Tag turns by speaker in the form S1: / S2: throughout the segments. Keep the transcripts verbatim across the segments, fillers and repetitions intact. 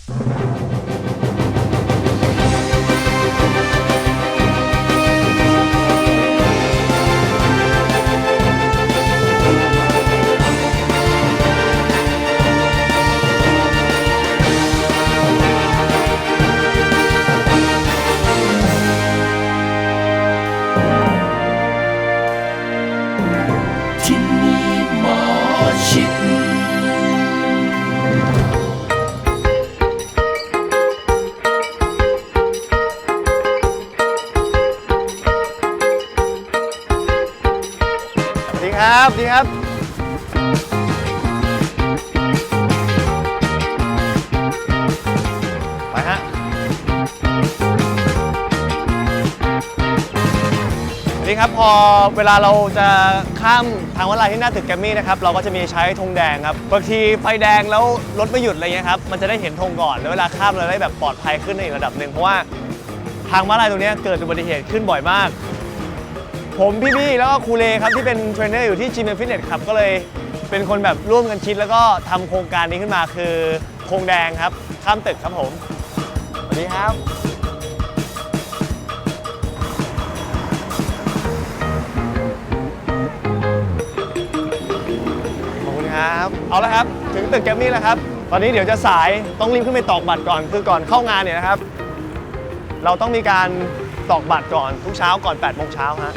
S1: ครับดีครับไปฮะนี่ครับพอเวลาเราจะข้ามทางม้าลายที่หน้าตึกแกรมมี่นะครับเราก็จะมีใช้ธงแดงครับบางทีไฟแดงแล้วรถไม่หยุดอะไรเงี้ยครับมันจะได้เห็นธงก่อนแล้วเวลาข้ามเราได้แบบปลอดภัยขึ้นในอีกระดับหนึ่งเพราะว่าทางม้าลายตรงนี้เกิดอุบัติเหตุขึ้นบ่อยมากผมพี่ๆแล้วก็ครูเลครับที่เป็นเทรนเนอร์อยู่ที่ จี เอ็ม Fitness ครับก็เลยเป็นคนแบบร่วมกันคิดแล้วก็ทำโครงการนี้ขึ้นมาคือธงแดงครับข้ามตึกครับผมสวัสดีครับขอบคุณครับเอาละครับถึงตึกแกรมมี่แล้วครับตอนนี้เดี๋ยวจะสายต้องรีบขึ้นไปตอกบัตรก่อนคือก่อนเข้างานเนี่ยนะครับเราต้องมีการตอกบัตรก่อนทุกเช้าก่อนแปดโมงเช้าฮะ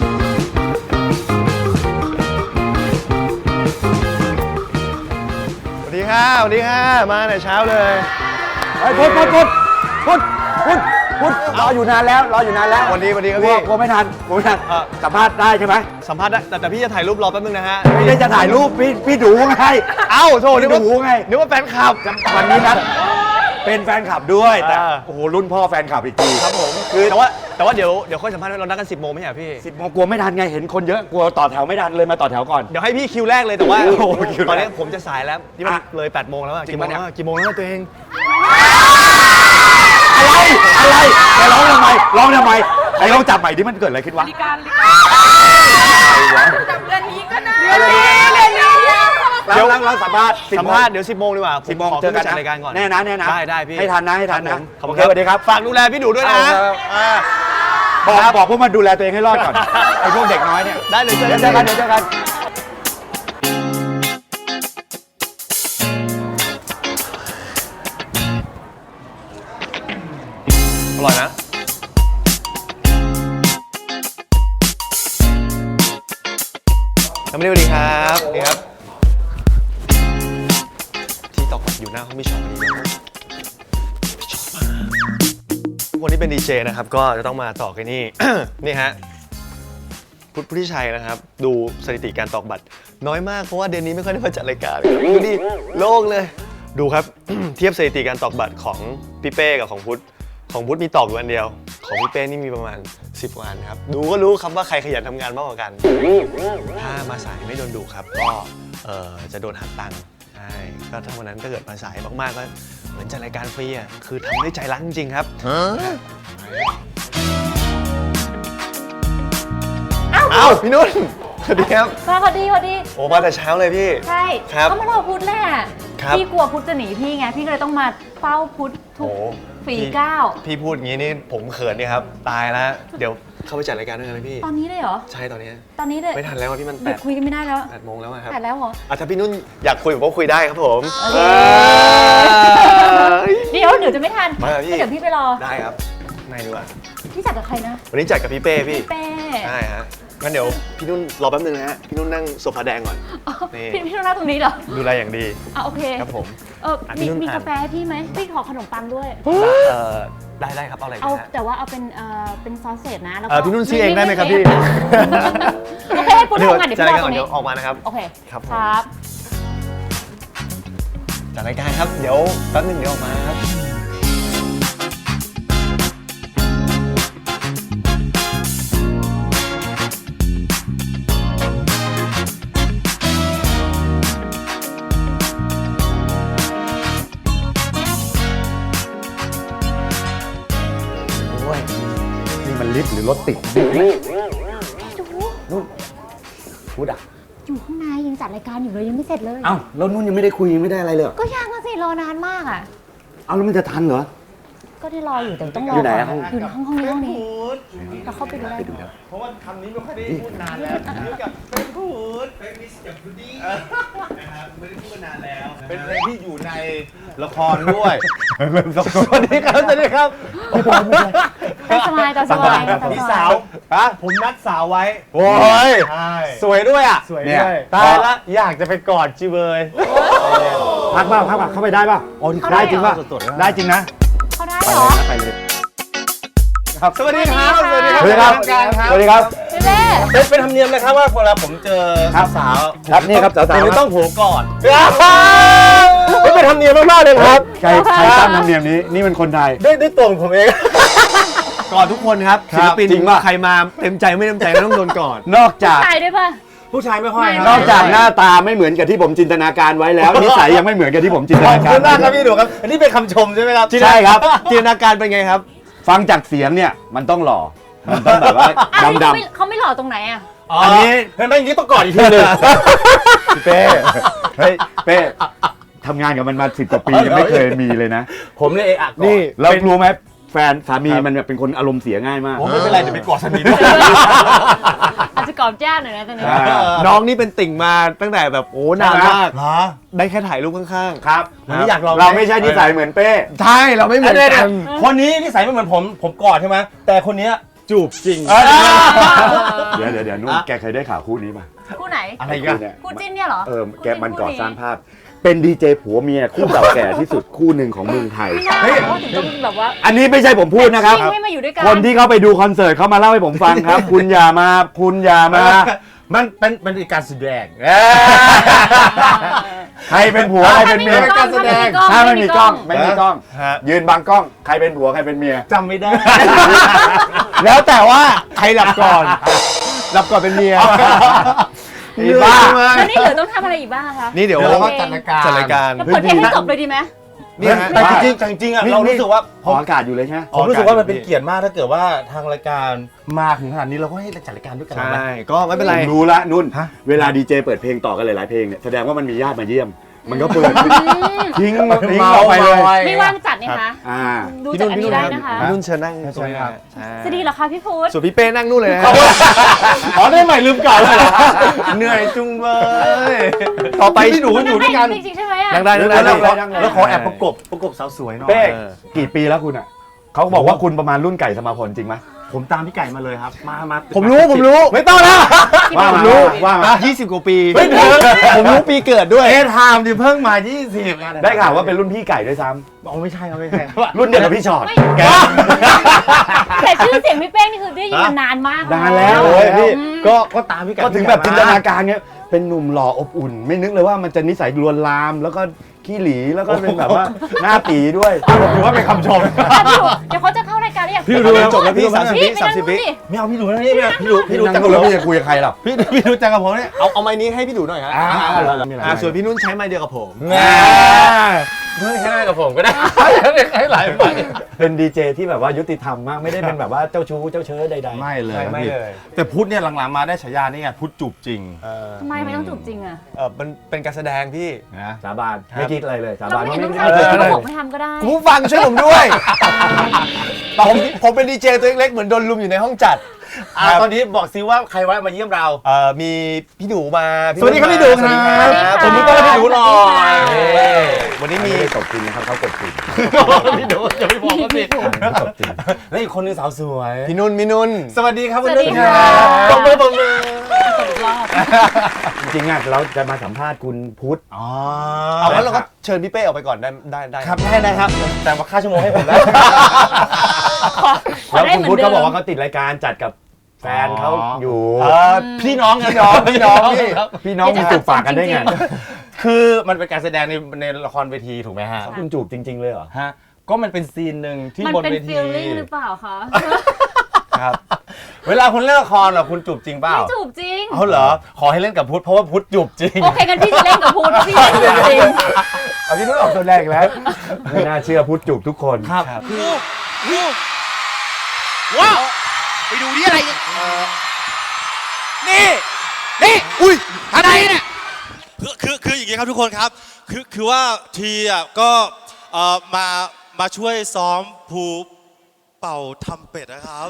S1: สวัสดีค่ะสวัสดีค่ะมาแต่เช้าเลย
S2: ไอ้พุทธพุทธพุทธพุทธพุทธพุทธรออยู่นานแล้วรออยู่นานแล้ว
S1: วันนี้วันนี้ครับพี่
S2: กลัวไม่ทันกลัวไม่ทันสัมภาษณ์ได้ใช่ไหม
S1: สัมภาษณ์ได้แต่แต่พี่จะถ่ายรูปรอแป๊บนึงนะฮะ
S2: ไม่ได้จะถ่ายรูปพี่พี่ดูไง
S1: เอ้าโทษนึกว่า
S2: ดูไง
S1: นึกว่าแฟนคลับ
S2: วันนี้นัดเป็นแฟนคลับด้วยแต่โอ้โหรุ่นพ่อแฟนคลับอีกที
S1: ครับผมคือแต่ว่าแต่ว่าเดี๋ยวเดี๋ยวค่อยสัมภาษณ์เรานัดกันสิบโมงไม่ใช่เหรอพี่
S2: สิบโมงกลัวไม่ทันไงเห็นคนเยอะกลัวต่อแถวไม่ทันเลยมาต่อแถวก่อน
S1: เดี๋ยวให้พี่คิวแรกเลยแต่ว่าตอนนี้ผมจะสายแล้วที่มันเลยแปดโมงแล้วกี่โมงแล้วกี่โมงแล้วตัวเอง
S2: อะไรอะไรแกร้องทำไมร้องทำไมไอ้ร้องจับใหม่ที่มันเกิดอะไรขึ้นวะ
S3: จับเรื่องนี้ก็ได้เรื่องนี้เรื่องนี้
S2: เดี๋ยวเราสัมภาษณ์
S1: สัมภาษณ์เดี๋ยวสิบโมงดีกว่า
S2: สิบโมงเจอกัน
S1: รายการก่อน
S2: แน่นะแน่นะ
S1: ได้ได้พี่
S2: ให้ทันนะให้ทันนะ
S1: ขอบคุณครับสวัสดีครับฝากดูแลพี่ดูด้วยนะ
S2: บอกบอกพวกมันดูแลตัวเองให้รอดก่อนไอ้พวกเด็กน้อยเนี่ย
S1: ได้เลย
S2: เดี๋ยวเจอกันเดี๋ยวเจอกัน
S1: อร่อยนะสวัสดีครับสวัสดีครับที่ตอกบัตรอยู่หน้าห้องพี่ชอบนี่พี่ชอบมากวันนี้เป็นดีเจนะครับก็จะต้องมาตอกไอ้นี่ นี่ฮะพุทธพุทธิชัยนะครับดูสถิติการตอกบัตรน้อยมากเพราะว่าเดือนนี้ไม่ค่อยได้มาจัดรายการดูดิโล่งเลยดูครับ เทียบสถิติการตอกบัตรของพี่เป้กับของพุทธของพุทธมีตอกอยู่อันเดียวของพี่เป้นี่มีประมาณสิบวันครับดูก็รู้ครับว่าใครขยันทำงานมากกว่ากันถ้ามาสายไม่โดนดุครับก็เอ่อจะโดนหักตังค์ใช่ก็ถ้าวันนั้นถ้าเกิดมาสายมากๆก็เหมือนจัดรายการฟรีอ่ะคือทำด้วยใจรักจริงๆครับเอ้าพี่นุ่นสวัสดีครับ
S3: สวัสดีสวัสดี
S1: โอ้มาแต่เช้าเลยพี่
S3: ใช่
S1: ครับ
S3: ก็มารอพุทธแหละพี่กลัวพุทธจะหนีพี่ไงพี่ก็เลยต้องมาเฝ้าพุทธทุกฝีก้าว
S1: พี่พูดอย่างนี้นี่ผมเขินนี่ครับตายแล้วเดี๋ยวเข้าไปจัดรายการด้วยกันไหมพี่
S3: ตอนนี้เลยเหรอ
S1: ใช่ตอนนี้
S3: ตอนนี้เลย
S1: ไม่ทันแล้วพี่มันแปด
S3: คุยกันไม่ได้แล้ว
S1: แปดโมงแล้วครับ
S3: แปดแล้วเหรอ
S1: อ่ะถ้าพี่นุ่นอยากคุยผมก็คุยได้ครับผม
S3: เดี๋ยวเดี๋ยวจะไม่ทัน
S1: มาพี่
S3: เดี๋ยวพี่ไปรอ
S1: ได้ครับในดีกว่า
S3: พี่จัดกับใครนะ
S1: วันนี้จัดกับพี่เป้พี่
S3: พี่เป้
S1: ใช่ฮะงั้นเดี๋ยวพี่นุ่นรอแป๊บนึงนะฮะพี่นุ่นนั่งโซฟาแดงก่อน
S3: นี่พี่นุ่นนั่งตรงนี้เหรอ
S1: ดูแลอย่างดี
S3: อ่ะโอเค
S1: ครับผม
S3: เออมีมีกาแฟให้พี่ไหมพี่ขอขนมปังด้วย
S1: เออได้ได้ครับเอาอะไร
S3: เอาแต่ว่าเอาเป็นเอ่อเป็นซอสเศษนะแล้ว
S1: ก็พี่นุ่นซื้อเองได้ไหมครับพี่
S3: โอเคให้คุณทำงานเดี๋ยวพี่รอตรงนี้
S1: เดี๋ยวออกมานะครับ
S3: โอเค
S1: ครับ
S3: ครับ
S1: จัดรายการครับเดี๋ยวแป๊บนึงเดี๋ยวออกมาครับ
S2: มันลิฟต์หรือรถติด
S3: ดู
S2: นู่นพูดอ่ะ
S3: อยู่ข้างในยังจัดรายการอยู่เลยยังไม่เสร็จเลย
S2: เอ้าแล้วนุ่นยังไม่ได้คุยยังไม่ได้อะไรเลย
S3: ก็ยังอะสิรอนานมากอ่ะ
S2: เอาแล้วมันจะทันเหรอ
S3: ก็ที่รออยู่แต่ต้องรอ
S2: อยู่ไหน
S3: ก่
S2: อะห้อง
S3: อยู่ในห้องห้องนี้ห้องนี้เราเข้าไปดูได้
S2: ไปดูนะ
S1: เพราะว่าคำนี้ไม่ค่อยได้พูดนานแล้วกับเป็นพูดเป็นมิสกับพูดี้นะครับไม่ได้พูดนานแล้ว
S4: เป็นเพลงที่อยู่ในละครด้วยสวัสดีครับสวัสดีครับ
S3: ตาสบายตาสบายตาส
S4: พี่
S3: บา
S4: สาวย ฮะผมนัดสาวไว้
S1: โอ้ย
S4: ใช่
S1: สวยด้วยอ่ะ
S4: สวย
S2: เนี่ย
S4: ด้วยตายละอยากจะไปกอดจิเบย
S2: พักเปล่าพักเปล่าเข้าไปได้ป่ะ
S4: โอ้ที่
S2: ได้จริงป่ะ
S4: สดๆ
S2: ได้จริงนะ
S3: เขาได้
S2: ไป
S3: เหร
S2: เล
S3: อย
S2: นะไปเลย
S4: ครับสวัสดีครับ
S3: สวัสดี
S2: สวัสดีครับ
S4: การครับ
S2: สวัสดีครับ
S3: พี่เป้
S4: เป็นเป็นธรรมเนียมเลยครับว่าเวลาผมเจอ
S2: ครับ
S4: สาว
S2: ครับนี่ครับสาวๆ
S4: ผมจะต้องโผล่ก่อน
S1: ไม่เป็นธรรมเนียมมากๆเลยครับ
S2: ใครใครตั้งธรรมเนียมนี้นี่มันคนไทย
S4: ด้วยด้วยตัวของผมเอง
S1: ก่อนทุกคนครับ
S2: ครั
S1: ศิ
S2: บ
S1: ลปิน
S2: จริงป่ะ
S1: ใครมาเต็มใจไม่เต็มใจก็ต้องโดนก่อน
S2: นอกจาก
S3: ตายด้วยป่ะ
S4: ผู้ชายไม่ค่อย
S3: ไม่
S2: นอกจากหน้าตาไม่เหมือนกับที่ผมจินตนาการไว้แล้ว นิสัยยังไม่เหมือนกับที่ผมจินต
S4: ขอ
S2: นา
S4: บ
S2: การ
S4: คุณมากครับพี่ดูครับ อันนี้เป็นคำชมใช่ไหมครับ
S2: ใช่ครับ
S1: จินตนาการเป็นไงครับ
S2: ฟังจากเสียงเนี่ยมันต้องหล่อ มันต้องแบบว่า
S3: อันนี้
S2: ดำ
S3: เขาไม่เขาไม่หล่อตรงไหนอ่ะ
S2: อันนี้
S4: เห็นไหมอย่างนี้ต้องกอดอีกทีหนึง
S2: พี่เป้เฮ้ยเป้ทำงานกับมันมาสิบกว่าปียังไม่เคยมีเลยนะ
S4: ผมเลยเอะอะกอด
S1: นี่
S2: แล้วรู้ไหมแฟนสามีมันแบบเป็นคนอารมณ์เสียง่ายมาก
S4: ผมไม่เป็นไรเดี๋ยวไปกอดสามีด้วย
S3: อาจจะกรอบแจ้งหน่อยนะตอนนี้
S2: อ่า
S1: น้องนี่เป็นติ่งมาตั้งแต่แบบโอ้นานมาก
S4: เหรอ
S1: ได้แค่ถ่ายรูปข้าง
S2: ครับ
S4: วันนี้อยากลอง
S2: เราไม่ใช่นิสัยเหมือนเป้
S1: ๆ ใช่ เราไม่เหมือน
S4: เดี๋ยว
S1: กัน
S4: ๆคนนี้นิสัยไม่เหมือนผม ผมกอดใช่ไหมแต่คนเนี้ยจูบจริง
S2: เดี๋ยวเดี๋ยวเดี๋ยวนุ่นแกเคยได้ข่าวคู่นี้ป่ะ
S3: คู่ไหน
S4: อะไรกัน
S2: เนี่ย
S3: คู่จิ้นเนี่ยเหรอ
S2: เออแกมันก่อสร้างภาพ เป็นดีเจผัวเมียคู่เก่าแก่ที่สุดคู่หนึ่งของเมืองไทย
S3: ไม่น่าเขาถึงต้องแบบว่า
S2: อันนี้ไม่ใช่ผมพูดนะครับ
S3: จิ้นให้มาอยู่ด้วยกัน
S2: คนที่เขาไปดูคอนเสิร์ตเขามาเล่าให้ผมฟังครับ คุณอย่ามาคุณอย่ามา
S4: มันเป็นมันเป็นการแสดง
S2: ใครเป็นผัวใครเป็นเมีย
S3: ถ้าไม่มีกล้อง
S2: ถ้าไม่มีกล้องไม่มีกล้อง
S1: ฮะ
S2: ยืนบังกล้องใครเป็นผัวใครเป็นเมีย
S4: จำไม่ได้
S1: แล้วแต่ว่าใครหลับก่อน หลับก่อนเป็นเมีย
S2: ไอ้บ้า
S3: แล้วนี่เหลือต้องทำอะไรอีกบ้างคะ
S1: นี่เดี๋ยว
S4: เดี๋ยวเราก็จัดรายการ
S1: จัดรายการ
S3: แล้วเปิดเพลงให้จบเลยดีไหม
S1: นี่ฮะ
S4: แต่จริงๆจริงๆอ่ะเรารู้สึกว่า
S2: ออกอากาศอยู่เลยใช่ไหม
S4: ผมรู้สึกว่ามันเป็นเกียรติมากถ้าเกิดว่าทางรายการมาถึงขนาดนี้เราก็ให้จัดรายการด้วยกัน
S1: ใช่
S4: ไหม
S1: ก็ไม่เป็นไร
S2: ผมรู้ละนุ่น
S4: ฮะ
S2: เวลาดีเจเปิดเพลงต่อกันหลายๆเพลงเนี่ยแสดงว่ามันมีญาติมาเยี่ยม มันก็เปิดทิ้งทิ้งเราไปเลย
S3: ไม่ว่างจัดนี่คะ
S2: อ่า
S3: ดูจากอันนี้ได้นะคะ
S1: พี่นุ่นเชิญนั่งตรงนี้
S4: ครับ
S1: ใช่
S3: จะดีเหรอคะพี่พุทธ
S1: ส่วนพี่เป้นั่งนู่นเลยนะฮะ
S4: อ๋อได้ใหม่ลืมเก่าเลยเหรอ
S1: เหนื่อยจุงเบยต่อไป
S4: พี่หนูอยู่ด้วยกัน
S3: จริงๆใช่ไหมอ่ะ
S1: นั่งได้นั่งได้
S2: แล้
S1: นั่
S2: ว
S1: ง
S2: แล้
S1: ได้
S2: ว
S4: แล้วขอแอบประกบประกบสาวสวยหน่อย
S2: เป้
S1: เออ
S2: กี่ปีแล้วคุณอ่ะเขาบอกว่าคุณประมาณรุ่นไก่สมาพลจริงไหม
S4: ผมตามพี่ไก่มาเลยครับ มามา
S1: ผมรู้ผมรู้
S4: ไม่ต้องแล้ว
S2: ว่า
S1: ผม
S2: มา
S1: รู้
S2: ว่ามา
S1: ยี่สิบกว่าปี
S4: ไม่ถึง
S1: ผมรู้ปีเกิดด้วย
S4: เอทามที่เพิ่งมายี่สิบ
S2: ได้ข่าวว่าเป็นรุ่นพี่ไก่ด้วยซ้
S4: อ๋อไม่ใช่ครับไม่ใช่
S2: ำรุ่นเดียวกับพี่ชอต
S3: ไม่
S2: แก
S3: แต่ชื่อเสียงพี่เป้งนี่คือได้ยินมานานมาก
S2: นานแล้ว
S4: โอ้ยพี่
S3: อืม
S4: ก็ก็ตามพี่ไก่
S2: ก็ถึงแบบจินตนาการเนี้ยเป็นหนุ่มหล่ออบอุ่น ไม่นึกเลยว่ามันจะนิสัยลวนลาม แล้วก็ขี้หลีแล้วก็เป็นแบบว่าหน้าตีด้วยถือว่าเป็นคำชม
S3: อ่ะพี่ดูเดี๋ยวเขาจะเข้ารายการแล้วอยาก
S4: พี่ดู
S1: จบแล้วพี่สามสิบ
S3: พี่
S1: วิ
S3: ไป
S1: สาม
S3: นั่ง
S1: สิบ
S3: ดู
S1: วิ
S3: สิ
S4: ไม่เอาพี่ดูนะนี่ไม่เอาพี่ดูพี่ดู
S2: พี่
S4: จั
S2: นั่
S4: ง
S2: ง
S4: กับ
S2: ดู
S4: ผม
S2: แล้วพี่จะคุยกับใครหรอ
S4: พี่พี่ดูจังกับผมเนี่ย
S1: เอาเอาไม้นี้ให้พี่ดูหน่อยฮะ
S2: อ่า
S1: อ่าส่วนพี่นุ่นใช้ไม้เดียวกับผม
S4: แหมเฮ้ยให้กับผมก็ได้ให้หลายใบ
S2: เป็นดีเจที่แบบว่ายุติธรรมมากไม่ได้เป็นแบบว่าเจ้าชู้เจ้าเชื้อใดๆ
S4: ไม่เลย
S1: ไม่เลย
S4: แต่พุทธเนี่ยหลังๆมาได้ฉายานี่ไงพุทธจูบจริง
S1: เออ
S3: ทำไมไม่ต้องจูบจริงอ่ะ
S1: เออมันเป็นการแสดงพี่
S4: นะ
S2: สาบานไม่คิดอะไรเลยสา
S3: เรา
S2: บาน
S3: ไม่
S2: ว่า
S3: เห็น
S2: ไม่
S3: ต้อง
S2: ไม่
S3: ทำ
S2: เคย
S3: เราบอกไม่ทำก็ได้
S1: คุณผู้ฟังช่วยผมด้วย ผมผมเป็นดีเจตัวเล็กๆเหมือนโดนลุมอยู่ในห้องจัด
S4: อ่าตอนนี้บอกซิว่าใครไว้มาเยี่ยมเรา
S1: เอ่อมีพี่ดูมา
S4: สวัสดีครับพี่ดูครับ
S1: สวัสดีครับ
S4: ผมต้องให้พี่ดูหน่อย
S1: เอ้ยวันนี้
S2: ไม่
S1: มี
S2: ได้ตบจริงนะครับเขากดจริง
S4: พี่ดูอย่าไปบอกเขาสิ
S2: ตบจริง
S4: และอีกคนนึงสาวสวย
S1: พี่นุ่นพี่นุ่น
S4: สวัสดีครับ
S3: สวั
S4: คุณ
S3: ส
S4: นุ่
S3: ดี
S4: น
S3: ค่ะ
S4: ปรบมือปรบมือ
S3: อีกรอบ
S2: จริงๆอ่ะเราจะมาสัมภาษณ์คุณพุทธ
S4: อ๋อ
S1: เอางั้นเราก็เชิญพี่เป้ออกไปก่อนได้ได้ได้
S4: ครับได้นะครับ แต่ว่าค่าชั่วโมงให้ผมได้
S3: ขอขอ
S2: แล้ว
S3: ได้
S2: คุณ
S3: เหมือ
S2: พุทธ
S3: นเดิ
S2: เขา
S3: ม
S2: บอกว่าเขาติดรายการจัดกับแฟนเขาอยู่
S4: เออพี่น้องพี่น้อง
S1: พี่น้องพี่
S4: ครับ
S2: พี่น้องมีจูบปากกันได้ไง
S4: คือมันเป็นการแสดงในในละครเวทีถูกไหมฮะ
S2: คุณจูบจริง ๆ เลยเหรอ
S4: ฮะก็มันเป็นซีนหนึ่งที่
S3: มัน
S4: บน
S3: เป็น
S4: เวที
S3: ฟีลลิ่งหรือเปล่าคะ
S1: ครับ
S4: เวลาคุณเล่นละครเหรอคุณจูบจริงเปล่า
S3: ไม่จูบจริง
S4: เอาเหรอขอให้เล่นกับพุทธเพราะว่าพุทธจูบจริง
S3: โอเคกันพี่จะเล่นกับพูดพี่เล่นกับจริง
S2: เอาพี่นุ้ยออกตัวแรกแล้ว ไม่น่าเชื่อพุทธจูบทุกคน
S4: ครับ
S5: ว้าวไปดูนี่อะไรเนี่ยนี่ นี่ อุ้ยอะไรเนี่ยคือคือคืออย่างงี้ครับทุกคนครับ คือคือว่าทีอ่ะก็เอ่อมา
S6: มาช่วยซ้อมภูเป่าทำเป็ดนะครับ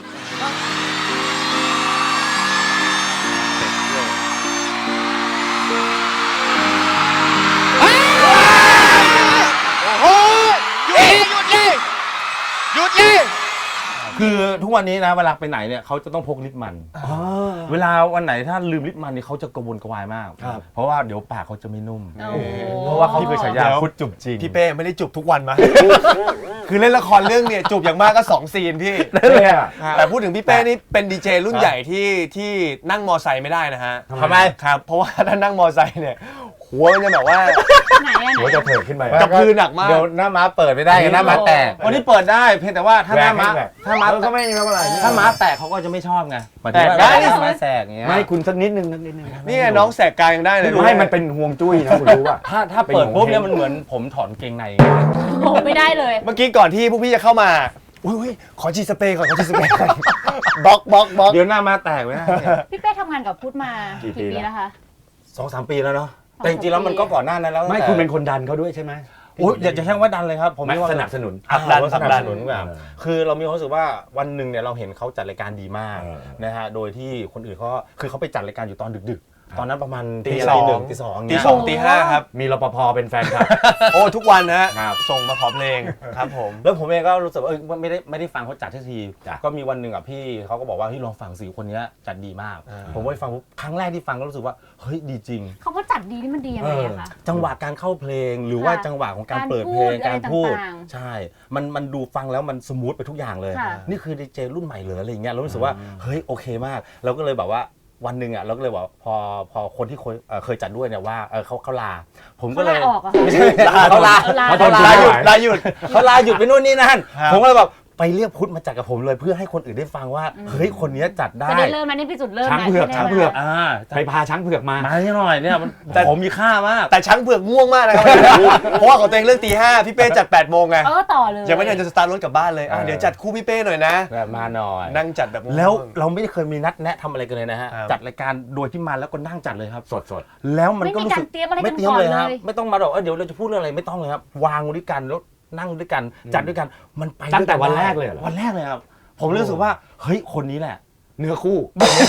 S5: โอ้ยหยุดเลยหยุดเลยหยุดเลย
S4: คือทุกวันนี้นะเวลาไปไหนเนี่ยเขาจะต้องพกลิปมัน เวลาวันไหนถ้าลืมลิปมันนี่เขาจะกระวนกระวายมาก เพราะว่าเดี๋ยวปากเขาจะไม่นุ่ม
S3: โอ้
S4: เพราะว่าเขาเคยฉายา
S1: เดี๋ยว
S4: พุทธจุบจริง
S1: พี่เป้ไม่ได้จูบทุกวันมา คือเล่นละครเรื่องเนี่ยจูบอย่างมากก็สองซีนพี่
S2: นั่นเลยอะ
S1: แต่พูดถึงพี่เป้นี่เป็นดีเจรุ่นใหญ่ที่ที่นั่งมอไซค์ไม่ได้นะฮะ
S4: ทำไม
S1: ครับ เพราะว่าถ้านั่งมอไซค์เนี่ยหัวมันจะแบบว่า
S3: ไหนอะไหน
S2: หัวจะเถิดขึ้นไป
S1: กระพือหนักมาก
S4: เดี๋ยวหน้าม้าเปิดไม่ได้กันหน้าม้าแตกวันนี้เปิดได้เพียงแต่ว่าถ้าหน้าม้าถ้าม้า
S2: ก็ไม่มีอะไร
S4: ถ้าม้าแตกเขาก็จะไม่ชอบไง
S1: แตกได้
S4: ม้าแตกอย่างเงี้ย
S2: ไม่คุณสักนิดนึงสักนิดนึง
S1: นี่ไงน้องแสกกลางยังได้เลย
S2: ไม่มันเป็นห่วงจุ้ยนะคุณรู้ป่ะ
S4: ถ้าถ้าเปิดปุ๊บเนี่ยมันเหมือนผมถอนเกงใน
S3: โอ้ไม่ได้เลย
S1: เมื่อกี้ก่อนที่พวกพี่จะเข้ามาอุ้ยอุ้ยขอจีสเปรย์ก่อนขอจีสเปรย์ก่อนบล็อกบล็อกบล็อก
S4: เดี๋ยวหน้าม้าแตกไม่ได้
S3: พี่เป้ทำงานกับพุทธมากี่ปีแล้วคะ
S4: สองสามปีแล้วเนาะแต่จริงๆแล้วมันก็ก่อนหน้านั้นแล้ว
S2: ไม่คุณเป็นคนดันเขาด้วยใช่ไหม
S4: โอ้ยอยากจะใช้คำว่าดันเลยครับผม
S2: ไม่
S4: ว่า
S2: สนับสนุน
S4: ผลักดันสนับสนุน
S2: ผ
S4: แบ
S2: ลัก
S4: บ
S2: ดัน
S4: คือเรามีความรู้สึกว่าวันหนึ่งเนี่ยเราเห็นเขาจัดรายการดีมาก
S2: เออ
S4: นะฮะโดยที่คนอื่นเขาคือเขาไปจัดรายการอยู่ตอนดึกๆ ตอนนั้นประมาณ
S1: ตี
S4: ะ
S1: ส
S4: ไร
S1: อง
S4: หนึ่งตีสอง
S1: ตี
S4: เงี้ย
S1: สองตีห้าครับ
S2: มีรปภเป็นแฟนคลับ
S1: โอ้ทุกวันนะฮะ
S2: ครับ
S1: ส่งมาขอเพลงครับผม
S4: แล้วผมเองก็รู้สึกว่าเออไม่ได้ไม่ได้ฟังเขาจัดทีที
S2: จ้ะ
S4: ก็มีวันหนึ่งอ่ะพี่เขาก็บอกว่าเฮ้ยลองฟังสิคนเนี้ยจัดดีมาก
S1: อ่า
S4: ผมไปฟังปุ๊บครั้งแรกที่ฟังก็รู้สึกว่าเฮ้ยดีจริง
S3: เขาก็จัดดีนี่มันดียังไงอะคะ
S4: จังหวะการเข้าเพลงหรือว่า
S3: ค่ะ
S4: จังหวะของการ
S3: การ
S4: เปิดเพลง
S3: พูด
S4: การพูด
S3: อะไรต่างๆ
S4: ใช่ มันมันดูฟังแล้วมันสมูทไปทุกอย่างเลย
S3: ค่ะ
S4: นี่คือดีเจรุ่นใหม่เลยอะไรอย่างเงี้ยเรารู้สึกว่าเฮ้ยโอเคมาก เราก็เลยแบบว่าวันหนึ่งอ่ะเราก็เลยบอกพอพอคนที่เคยเอ่อเคยจัดด้วยเนี่ยว่าเออเขาเขาลา ผมก็
S3: เขา
S4: เล
S3: ลาย ออกอะ
S4: ไม่ใช่ลาเขาลา
S3: เออลา
S2: เขาทน
S1: ลาหยุดลาหยุด
S4: เขาลาหยุดไปนู่นนี่นั่น
S1: ครับ
S4: ผมก็เลยแบบไปเรียกพุทธมาจัดกับผมเลยเพื่อให้คนอื่นได้ฟังว่าเฮ้ยคนเนี้ยจัดได้
S3: จะได้เริ่มนะนี่เป็นจุดเริ่ม
S2: ช้าง
S3: นะ
S2: เผือก
S3: ที่ได้
S2: ช้างเผือก
S3: มา
S4: อ่า
S2: ใครพาช้างเผือกมา
S4: มาให้หน่อยเนี่ยมันผมมีค่ามาก
S1: แต่ช้างเผือกง่วงมากนะครับ เพราะว่าของตัวเองเรื่องตีห้าพี่เป้จัดแปดโมงไง
S3: เออต่อเลย
S1: ยังไม่ทันจะสตาร์ทรถกลับบ้านเลยอ่ะ
S4: เออ
S1: เดี๋ยวจัดคู่พี่เป้หน่อยนะ
S4: แบบมาหน่อย
S1: นั่งจัดแบบง่งๆ
S4: แล้วเราไม่ได้เคยมีนัดแนะทำอะไรกันเลยนะฮะ
S1: ครับ
S4: จัดรายการโดยที่มาแล้วก็นั่งจัดเลยครับ
S2: สดสด
S4: แล้วมัน
S3: ไม่
S4: ก็
S3: มี
S4: รู้
S3: กา
S4: สึ
S3: ร
S4: ก
S3: เตรียมอะไร
S4: ไม่
S3: กัน
S4: เตรียม
S3: ก่อน
S4: เลย
S3: เล
S4: ครับ
S3: ย
S4: ไม่ต้องมาบอกเออเดี๋ยวเราจะพูดเรื่องอะไรไม่ต้องเลยครับวางด้วยกันแล้วนั่งด้วยกันจัดด้วยกันมันไป
S2: ตั้งแต่
S4: ด้วย
S2: วันแรกเลยเหรอ
S4: วันแรกเลยครับ ผมรู้สึกว่าเฮ้ยคนนี้แหละ
S2: เนื้อคู่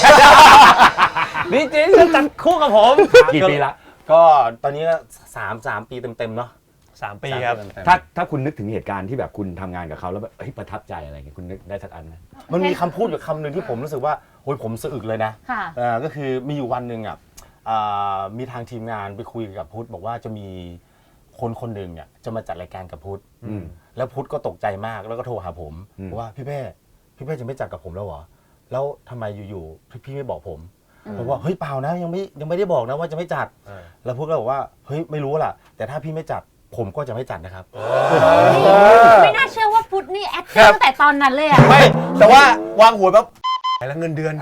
S4: นี่จริงๆจัดคู่กับผม
S2: กี่ปีละ
S4: ก็ตอนนี้ก็สามสามปีเต็มๆเนาะ
S1: สามปีครับ
S4: สามเต็มๆ
S2: ถ้าถ้าคุณนึกถึงเหตุการณ์ที่แบบคุณทำงานกับเขาแล้วแบบเฮ้ยประทับใจอะไรเงี้ยคุณนึกได้สักอันไหม
S4: มันมีคำพูดอยู่คำหนึ่งที่ผมรู้สึกว่าโอ้ยผมสะอึกเลยนะ
S3: ค่ะ
S4: เอ่อก็คือมีอยู่วันหนึ่งอ่ะอ่ามีทางทีมงานไปคุยกับพุทธบอกว่าจะมีคนคนหนึ่งเนี่ยจะมาจัดรายการกับพุทธ
S2: อืม
S4: แล้วพุทธก็ตกใจมากแล้วก็โทรหาผม
S2: อืม
S4: บอกว่าพี่เป้พี่เป้จะไม่จัดกับผมแล้วเหรอแล้วทำไมอยู่ๆพี่พี่ไม่บอกผม
S3: อืม
S4: ผมว่าเฮ้ยเปล่านะยังไม่ยังไม่ได้บอกนะว่าจะไม่จัด แล้วพุทธก็บอกว่าเฮ้ยไม่รู้ล่ะ แต่ถ้าพี่ไม่จัดผมก็จะไม่จัดนะครับ
S3: ไม่น่าเชื่อว่าพุทธนี่แอคติ้งตั้งแต่ตอนนั้นเลยอะ
S1: ไม่ แต่ว่าวางหัวแบบแล้วเงินเดือน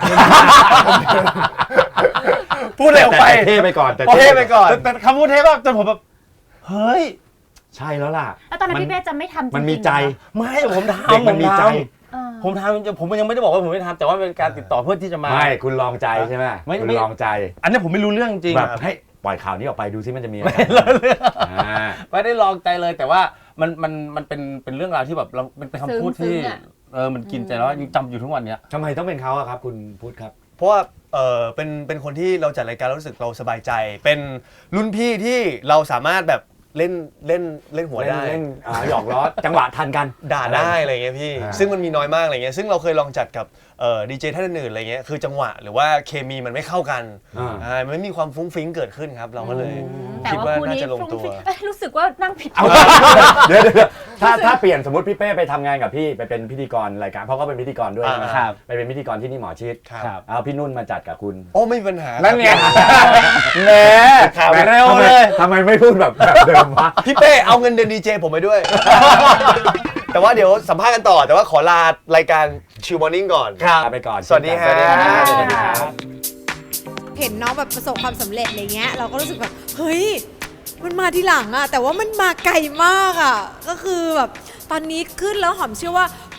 S1: พูดเร็วไป
S2: แต่เท่ไปก่อนแต่
S1: เท่ไปก่อน
S4: แต่แต่คำพูดเทปแบบจนผมแบบเฮ้ย
S2: ใช่แล้วล่ะ
S3: แล้วตอนนั้น
S2: มัน
S3: พี่เป้จะไม่ทำจริงๆ
S2: มันมีใจ
S3: เหรอ
S4: ไม่ผมทำ
S2: เด็กมันมีใจ
S3: เออ
S4: ผมทำผมยังไม่ได้บอกว่าผมไม่ทำแต่ว่าเป็นการติดต่อเพื่อที่จะมา
S2: ไม่คุณลองใจใช่ไหม
S4: ไม่
S2: คุณ
S4: ไม่
S2: ลองใจ
S4: อันนี้ผมไม่รู้เรื่องจริง
S2: แบบให้ปล่อยข่าวนี้ออกไปดูซิมันจะมีอะไรอ่า
S4: ไม่ได้ลองใจเลยแต่ว่ามันมันมันเป็นเป็นเรื่องราวที่แบบเราเป็นเป็นคำพูด
S3: ซึ้
S4: ที่
S3: งๆอะ
S4: เออมันกินใจแล้วยังจำอยู่ทุกวันเนี้ย
S2: ทำไมต้องเป็นเขาอะครับคุณพุทธครับ
S1: เพราะว่าเออเป็นเป็นคนที่เราจัดรายการแล้วรู้สึกเราสบายใจ เป็นรุ่นพี่ที่เราสามารถแบบเล่นเล่นเล่นหัว
S2: เล่น
S1: ได้
S2: เล่นอ่าหยอกล้อจังหวะทันกัน
S1: ด่าได้อะไรเงี้ยพี่
S2: อ่า
S1: ซึ่งมันมีน้อยมากอะไรเงี้ยซึ่งเราเคยลองจัดกับเอ่อดีเจท่านอื่นๆอะไรเงี้ยคือจังหวะหรือว่าเคมีมันไม่เข้ากัน
S2: อ่า
S1: อ่ามันไม่มีความฟุ้งฟิ้งเกิดขึ้นครับ เราก็เลย
S3: แต่
S1: คิด
S3: ว่า
S1: ว่า
S3: คู่
S1: น่า
S3: นี้
S1: จะลง
S3: ฟรุ้ง
S1: ตัว
S3: ฟริ้งเอ้ยรู้สึกว่านั่งผิด
S2: เอาเดี๋ยวเดี๋ยวถ้าถ้าเปลี่ยนสมมติพี่เป้ไปทำงานกับพี่ไปเป็นพิธีกรรายการเพราะเขาเป็นพิธีกรด้วย
S1: อ่า
S2: ใช่ไหม
S4: ครับ
S2: ไปเป็นพิธีกรที่นี่หมอชิด
S1: ครับ
S2: เอาพี่นุ่นมาจัดกับคุณ
S1: โอ้ไม่มีปัญหา
S2: นั่นไง
S4: แหม
S1: ครับ
S4: แหมเร็วเลย
S2: ทำไมไม่พูดแบบแบบเดิมวะ
S1: พี่เป้เอาเงินเดือนดีเจผมไปด้วย แต่ว่าเดี๋ยวสัมภาษณ์กันต่อ แต่ว่าขอลารายการชิวมอร์นิ่งก่อน
S2: ไปก่อน
S1: สวัสดีฮะ
S2: สวัสดีครับ
S7: เห็นน้องแบบประสบความสำเร็จอะไรเงี้ยเราก็รู้สึกแบบเฮ้ยมันมาทีหลังอะแต่ว่ามันมาไกลมากอะก็คือแบบตอนนี้ขึ้นแล้วหอมเชื่อว่า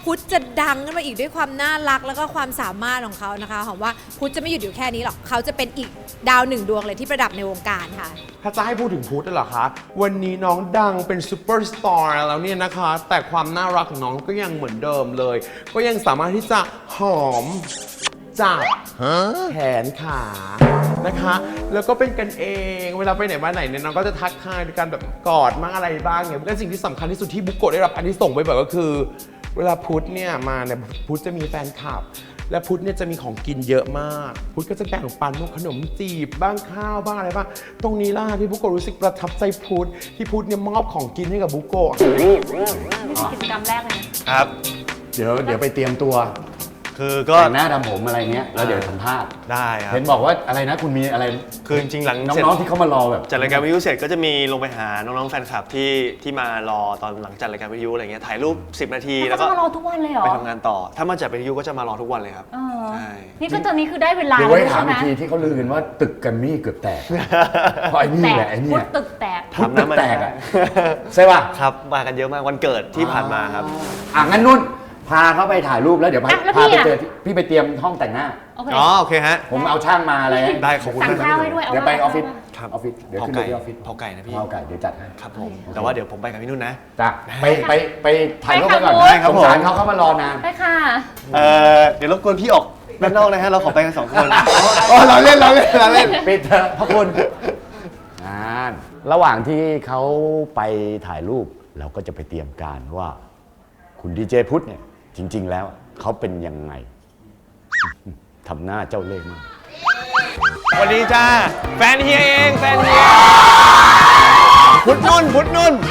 S7: พุทธจะดังขึ้นมาอีกด้วยความน่ารักแล้วก็ความสามารถของเขานะคะหอมว่าพุทธจะไม่หยุดอยู่แค่นี้หรอกเขาจะเป็นอีกดาวหนึ่งดวงเลยที่ประดับในวงการค่ะ
S8: ถ้าจะให้พูดถึงพุทธเหรอคะ วันนี้น้องดังเป็นซูเปอร์สตาร์แล้วเนี่ยนะคะ แต่ความน่ารักของน้องก็ยังเหมือนเดิมเลย ก็ยังสามารถที่จะหอมจับแขนขานะคะ แล้วก็เป็นกันเอง เวลาไปไหนมาไหนเนี่ยน้องก็จะทักทายด้วยการแบบกอดมั่งอะไรบ้างเนี่ยและสิ่งที่สำคัญที่สุดที่บุกโกะได้รับอันที่ส่งส์ไปบ่อยก็คือ เวลาพุทธเนี่ยมาเนี่ยพุทธจะมีแฟนคลับ และพุทธเนี่ยจะมีของกินเยอะมาก พุทธก็จะแบ่งปันพวกขนมจีบบ้างข้าวบ้างอะไรบ้าง ตรงนี้ล่ะที่บุโกะรู้สึกประทับใจพุทธที่พุทธเนี่ยมอบของกินให้กับบุโกะ
S3: นี่เป็นกิจกรรมแรกเลยนะครับ
S2: เดี๋ยวเดี๋ยวไปเตรียมตัว
S1: คือก็
S2: แต่งหน้าทำผมอะไรเงี้ยแล้วเดี๋ยวสัมภาษณ์
S1: ได้ครับ
S2: เห็นบอกว่าอะไรนะคุณมีอะไร
S1: คือจริงๆหลังเสร็จ
S2: น้องๆที่เขามารอแบบ
S1: จัดรายการวิทยุเสร็จก็จะมีลงไปหาน้องๆแฟนคลับที่ที่มารอตอนหลังจัดรายการวิทยุอะไรเงี้ยถ่ายรูปสิบนาที
S3: แล้
S1: แล้ว ว
S3: ก็
S1: ก็
S3: มารอทุกวันเลยเหรอ
S1: ไปทำงานต่อ ถ้ามาจัดวิทยุก็จะมารอทุกวันเลยครับ
S3: เออ
S1: ใช่
S3: นี่ก็ตอนนี้คือได้เวลา
S2: เดี๋ยว
S3: แล้
S2: ไว้
S3: ว
S2: ถาม
S3: ใช่ไหม
S2: อีกทีที่เขาลือกันว่าตึกแกรมมี่เกือบแตก เพราะไอ้นี่
S3: แตก
S2: แหละไอ้เนี่
S3: พุ
S2: ย
S3: ทธตึกแตก
S2: พุทธตึกแตกอะใช่ป่ะ
S1: ครับมากันเยอะมากวันเกิดที่ผ่านมาครับ
S2: อ่ะงั้นนุ่นพาเขาไปถ่ายรูปแล้วเดี๋ยวพา
S3: อ่ะแล้ว
S2: พา
S3: พี่
S2: ไป
S3: อะ
S2: เจอที่พี่ไปเตรียมห้องแต่งหน้า
S3: โอเค
S1: อ๋อโอเคฮะ
S2: ผมเอาช่างมาอะไร
S1: ได้ขอบคุณ
S3: สั่ง
S1: มาก
S3: ข้าวให้ด้วย
S2: เดี๋ยวไปออฟฟิศ
S1: ครับ
S2: ออฟฟิศเดี๋ยว
S1: เผา
S2: ขึ้นไป
S1: ไก่
S2: ที่ออฟฟิศ
S1: เผาไก่นะพี่
S2: เผาไก่เดี๋ยวจัดให้
S1: ครับผมแต่ว่าเดี๋ยวผมไปกับพี่นุ่นนะ
S2: จ้ะไปไปไปถ่ายรูป
S3: ไป
S2: กันก่อน
S3: ค่ะ
S2: ได้ครับผมสงสารเขาเขามารอนาน
S3: ไปค่ะ
S1: เอ่อเดี๋ยวรบกวนพี่ออกด้านนอกนะฮะเราขอไปกันสองคนอ๋อเราเล่นเราเล่นเราเล่น
S2: ปิดเถอะพระคุณงานระหว่างที่เขาไปถ่ายรูปเราก็จะไปเตรียมการว่า คุณดีเจพุทธเนี่ยจริง ๆ แล้วเขาเป็นยังไง ทำหน้าเจ้าเล่ห์มาก
S1: สวัสดีจ้าแฟนเฮียเองแฟนเฮียพุทธนุ่นพุทธนุ่น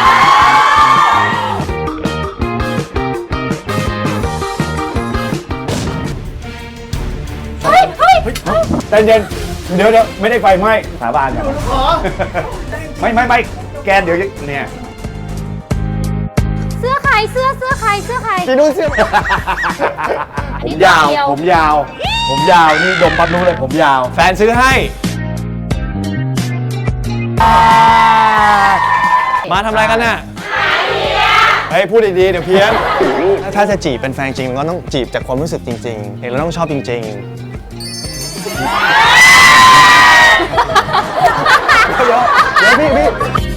S3: เฮ้ยเฮ้ย
S2: ใจเย็นเดี๋ยวเดี๋ยวไม่ได้ไฟไหม้สาบานกันไม่ไม่ไม่แกเดี๋ยวเนี่ย
S3: เสื้อใครเสื้อเสื้อใครเสื้อใคร
S1: พี่นุ่นเสื้อ
S3: อัน
S2: ผม
S3: นี้
S2: ยาว
S3: ตัวเดี
S2: ผมยาว ผมยาวนี่ดมปั๊บรู้เลยผมยาว
S1: แฟนซื้อให้ มาทำอะไรกันน่ะเฮ้ยพูดดีๆเดี๋ยวเพี้ยนถ้าจะจีบเป็นแฟนจริงก็ต้องจีบจากความรู้สึกจริงๆเห็นแล้วต้องชอบจริงๆเดี๋ยวเดี๋ยวพี่พี่